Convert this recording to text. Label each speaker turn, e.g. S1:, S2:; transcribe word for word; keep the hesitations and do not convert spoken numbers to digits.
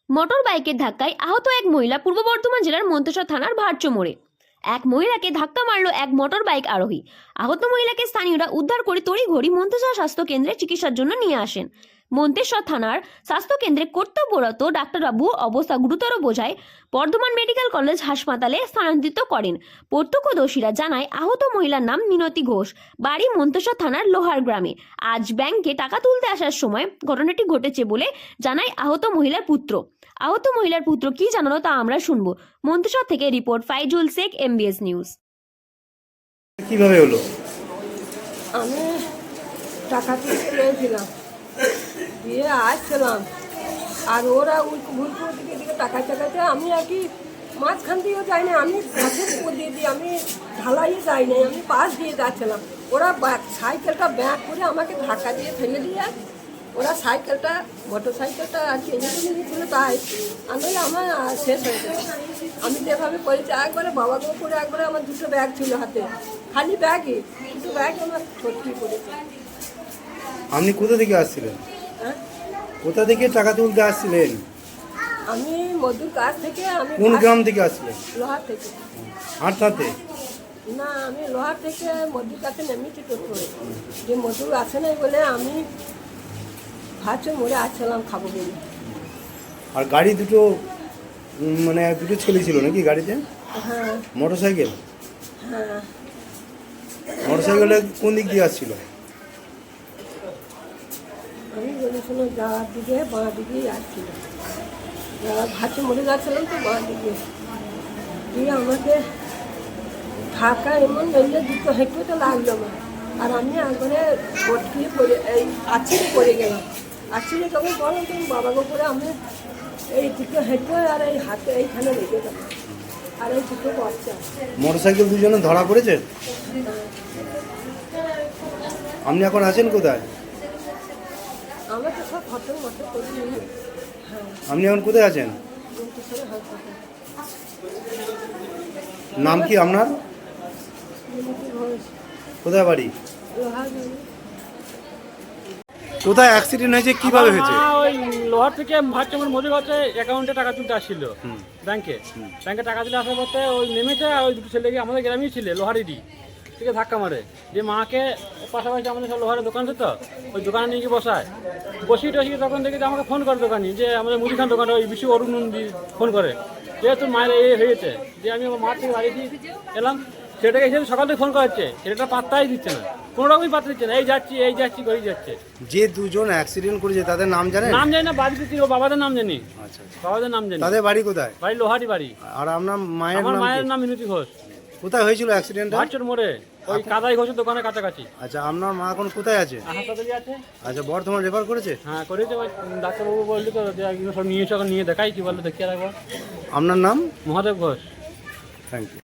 S1: Motor বাইকের ধাক্কায় আহত এক মহিলা পূর্ব বর্ধমান জেলার মন্তেশ্বর থানার ভারচো মোড়ে। এক মহিলাকে ধাক্কা মারল এক মোটর বাইক আরোহী। আহত মহিলাকে স্থানীয়রা উদ্ধার করে তড়িঘড়ি মন্তেশ্বর স্বাস্থ্য কেন্দ্রে চিকিৎসার জন্য নিয়ে আসেন। মন্তেশ্বর থানার স্বাস্থ্য কেন্দ্রে কর্তব্যরত ডাক্তারবাবু অবস্থা গুরুতর বোঝায় বর্ধমান মেডিকেল কলেজ হাসপাতালে স্থানান্তরিত করেন। প্রত্যক্ষদর্শীরা জানায় আহত মহিলার নাম মিনতি ঘোষ, বাড়ি মন্তেশ্বর থানার লোহার গ্রামে। আজ ব্যাংকে টাকা তুলতে আসার সময় ঘটনাটি ঘটেছে বলে জানায় আহত মহিলার পুত্র। আহত মহিলার পুত্র কি জানালো তা আমরা শুনবো। মন্তেশ্বর থেকে report Faizul Sheikh, MBS news.
S2: কিভাবে হলো?
S3: আমি টাকা তুলতে গিয়েছিলাম, দিয়ে আসছিলাম, আর ওরা ভুলপুর দিকে দিকে টাকা চাকাতে আমি আর কি মাঝখান দিয়েও যাই না, আমি গাছের উপর দিয়ে দিয়ে আমি ঢালাইয়ে যাই নাই, আমি পাশ দিয়ে যাচ্ছিলাম। ওরা সাইকেলটা ব্যাক করে আমাকে ধাক্কা দিয়ে ফেলে দিয়ে ওরা সাইকেলটা মোটর সাইকেলটা আর কি এনে ছিল, তাই আমি আমার শেষ হয়ে গেছে। আমি যেভাবে করেছি একবারে বাবাকে করে একবারে আমার দুটো ব্যাগ ছিল হাতে, খালি ব্যাগই দুটো ব্যাগ আমার সত্যি করেছে।
S2: আপনি কোথা থেকে আসছিলেন?
S3: হ্যাঁ,
S2: কোথা থেকে টাকা তুলতে আসছিলেন?
S3: আমি মধুর কাছ থেকে। আমি
S2: কোন গ্রাম থেকে আসছিলেন?
S3: লোহার থেকে।
S2: আটটাতে?
S3: না, আমি লোহার থেকে মধুর কাছে নেমেছি টোটো, যে মধুর আছে না বলে আমি ভাবছি মরে আসছিলাম খাবো বলে।
S2: আর গাড়ি দুটো উম, মানে দুটো ছেলে ছিল নাকি গাড়িতে?
S3: হ্যাঁ
S2: মোটর সাইকেল?
S3: হ্যাঁ,
S2: মোটর সাইকেলে কোন দিক দিয়ে আসছিল?
S3: আমি বলেছিলাম যাওয়ার দিকে বাঁ দিকেই আসছিল, যাওয়ার ভাবছি মরে যাচ্ছিলাম তো বাঁ দিকে, দিয়ে আমাকে ঢাকা এমন মেলে দুটো হেঁটে তো লাগলো আমার, আর আমি একবারে পটকিয়ে পড়ে এই আছিড়ে পড়ে গেলাম। আছিড়ে তখন বললাম তুমি বাবাকে করে আমি এই দুটো হেঁটে আর এই হাতে এইখানে লেগে গেল, আর এই দুটো বাচ্চা।
S2: মোটর সাইকেল দুজনে ধরা পড়েছে? আপনি এখন আছেন কোথায়?
S3: আমরা তো সব ফটো মতো করি। হ্যাঁ,
S2: আপনি এখন কোথায় আছেন?
S3: মন্তেশ্বরে হাসপাতাল।
S2: নাম কি আপনার?
S3: মিনতি ঘোষ,
S2: কোথায় বাড়ি?
S3: লোহার বাড়ি।
S2: কোথায় অ্যাক্সিডেন্ট হয়েছে, কিভাবে হয়েছে?
S4: মা ওই লোহার থেকে ভারচুমের মজুর হচ্ছে অ্যাকাউন্টে টাকা তুলতে আসছিল ব্যাংকে। ব্যাংকে টাকা তুলে আসার পথে ওই নেমেছে, আর ওই দুটো ছেলেকে আমাদের গ্রামেই ছিল লোহারেরই থেকে ধাক্কা মারে, যে মাকে পাশাপাশি আমাদের সব লোহারের দোকান আছে তো, ওই দোকানে নিয়ে গিয়ে বসায় বসিয়ে টসিয়ে তখন দেখি যে আমাকে ফোন করে দোকানি, যে আমাদের মুদিখান দোকানে ওই বিশ্ব অরুণ নন্দী ফোন করে যে তোর মায়ের এই হয়েছে। যে আমি আমার মার থেকে বাড়ি দিয়ে এলাম, সেটাকে এসে সকাল থেকে ফোন করাচ্ছে, ছেলেটা পাত্তাই দিচ্ছে না, কোনো রকমই পাত্তা দিচ্ছে না, এই যাচ্ছি এই যাচ্ছি করেই যাচ্ছে।
S2: যে দুজন অ্যাক্সিডেন্ট করেছে তাদের নাম জানেন?
S4: নাম জানি না, বাড়ি দিচ্ছি, ও বাবাদের নাম জানি।
S2: আচ্ছা আচ্ছা।
S4: বাবাদের নাম জানি।
S2: তাদের বাড়ি কোথায়?
S4: বাড়ি লোহারি বাড়ি।
S2: আর আপনার মায়ের
S4: আমার
S2: নাম
S4: মায়ের
S2: কি?
S4: নাম মিনতি ঘোষ।
S2: কোথায় হয়েছিল অ্যাক্সিডেন্টটা?
S4: ভারচুর মোড়ে ওই কাদাই ঘোষের দোকানের কাছাকাছি।
S2: আচ্ছা, আপনার মা এখন কোথায় আছে?
S4: হাসপাতালে আছে।
S2: আচ্ছা, বর্ধমান রেফার করেছে?
S4: হ্যাঁ করেছে, ওই ডাক্তারবাবু বললি তো যে এগুলো সব নিয়ে এসে নিয়ে দেখাই, কি বললো দেখিয়ে রাখবো।
S2: আপনার নাম?
S4: মহাদেব ঘোষ।
S2: Thank you.